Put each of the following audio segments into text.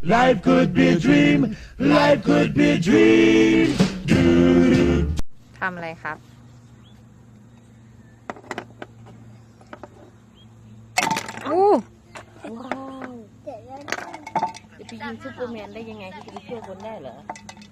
Life could be a dream. Life could be a dream. ทำอะไรครับอู้ว้าวจะไปยิงซูเปอร์แมนได้ยังไงที่จะไปช่วยคนได้เหรอ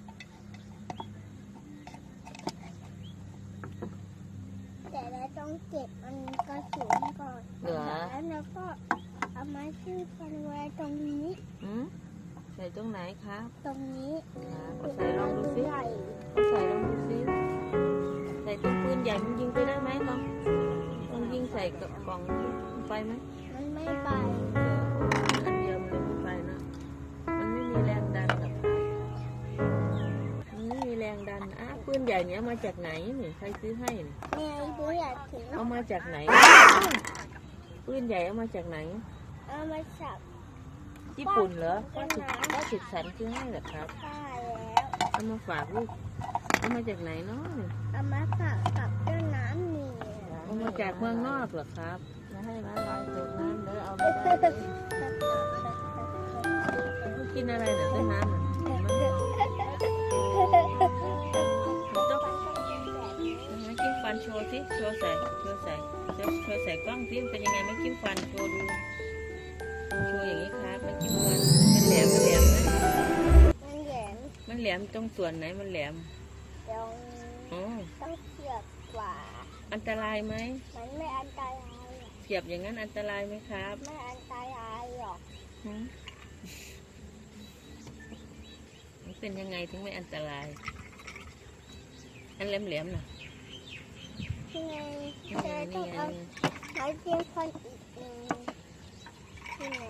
แต่เราต้องเก็บมันกระสุนก่อนเหรอแล้วเราก็เอาไม้ชื่อฟันไว้ตรงนี้ใส่ตรงไหนครับตรงนี้ใส่ลองดูซิใหญ่ใส่ลองดูซิใส่ตัวปืนใหญ่มันยิงไปได้ไหมลองยิงใส่กับกล่องไปไหมมันไม่ไปอันเดียวมันไม่ไปนะมันไม่มีแรงดันหรอกมันไม่มีแรงดันปืนใหญ่เนี้ยมาจากไหนนี่ใครซื้อให้นี่แม่ดูอยากถึงเอามาจากไหนปืนใหญ่เอามาจากไหนเอามาสับญี่ปุ่นเหรอก็สุดสันซื้อให้เหรอครับป้าแล้วเอามาฝากลูกเอามาจากไหนเนาะเอามาสับกับเจ้าน้ำเหนียวเอามาจากเมืองนอกเหรอครับมาให้มาลอยตกน้ำเด้อเอาไปได้กินอะไรเนี่ยต้นน้ำอ่ะไม่กินฟันโชว์สิโชว์ใส่กล้องสิเป็นยังไงไม่กินฟันโชว์ดูโชว์อย่างนี้ครับไม่กินฟันมันแหลมไหมมันแหลมมันแหลมตรงส่วนไหนมันแหลมตรงอ๋อต้องเสียบกว่าอันตรายไหมมันไม่อันตรายหรอกเสียบอย่างนั้นอันตรายไหมครับไม่อันตรายหรอกมันเป็นยังไงถึงไม่อันตราย อันแหลมๆน่ะที่ไงจะต้องเอาไม้จิ้มฟันอีกหนึ่งที่ไหน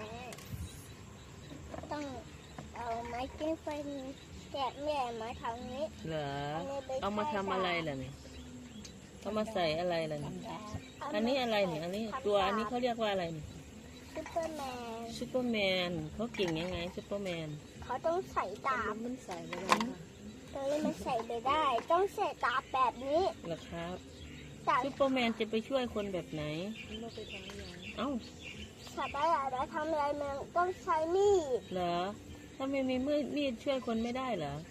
ต้องเอาไม้จิ้มฟันแกะแม่มาทางนี้เหรอเอามาทำอะไรล่ะเนี่ยเอามาใส่อะไรล่ะเนี่ยอันนี้อะไรเนี่ยอันนี้ตัวอันนี้เขาเรียกว่าอะไรเนี่ยซูเปอร์แมนซูเปอร์แมนเขาเก่งยังไงซูเปอร์แมนเขาต้องใส่ดาบมันใส่ไม่ได้ตัวนี้มันใส่ไม่ได้ ต้องใส่ดาบแบบนี้เหรอครับแต่ซูเปอร์แมนจะไปช่วยคนแบบไหนเอ้าสัตว์อะไรมาทำอะไรมันต้องใช้มีดเหรอถ้าไม่มีมีดช่วยคนไม่ได้เหรอ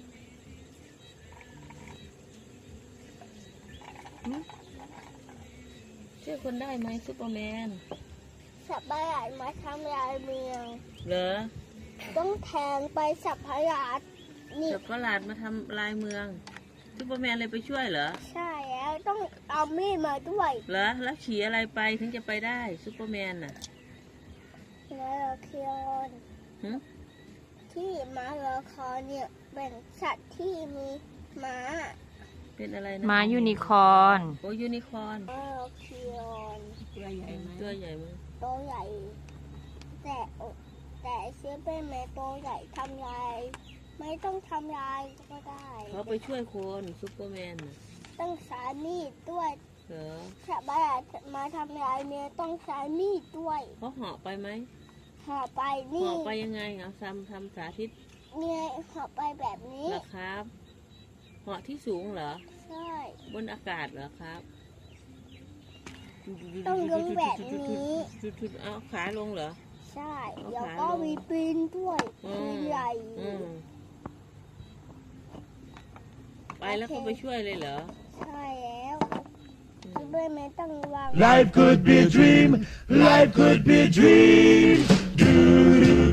ช่วยคนได้ไหมซูเปอร์แมนสัตว์อะไรมาทำลายเมืองเหรอต้องแทงไปสัตว์ประหลาดนี่สัตว์ประหลาดมาทำลายเมืองซูเปอร์แมนเลยไปช่วยเหรอใช่แล้วต้องเอามีดมาด้วยเหรอแล้วขี่อะไรไปถึงจะไปได้ซูเปอร์แมนน่ะมาราคอนที่มาราคอนเนี่ยเป็นสัตว์ที่มีม้าเป็นอะไรนะม้ายูนิคอร์นโอ้ยูนิคอร์นมาราคอนตัวใหญ่ไหมตัวใหญ่ไหมตัวใหญ่แต่เชื้อเป็นแม่ตัวใหญ่ทำลายไม่ต้องทำลายก็ได้เขาไปช่วยคนซูเปอร์แมนน่ะต้องใช้มีดด้วยเหรอสัตว์ประหลาดมาทำลายเนี่ยต้องใช้มีดด้วยเขาเหาะไปไหมห่อไปเหนี่าะไปยังไงเอาทำสาธิตเนี่ยห่อไปแบบนี้เหรอครับเหาะที่สูงเหรอใช่บนอากาศเหรอครับต้องลงแบบนี้เอาขาลงเหรอใช่แล้วก็มีปีนด้วยปีนใหญ่ไปแล้วเขาไปช่วยเลยเหรอใช่แล้วด้วยไม่ต้องวาง Life could be a dream. Life could be a dream.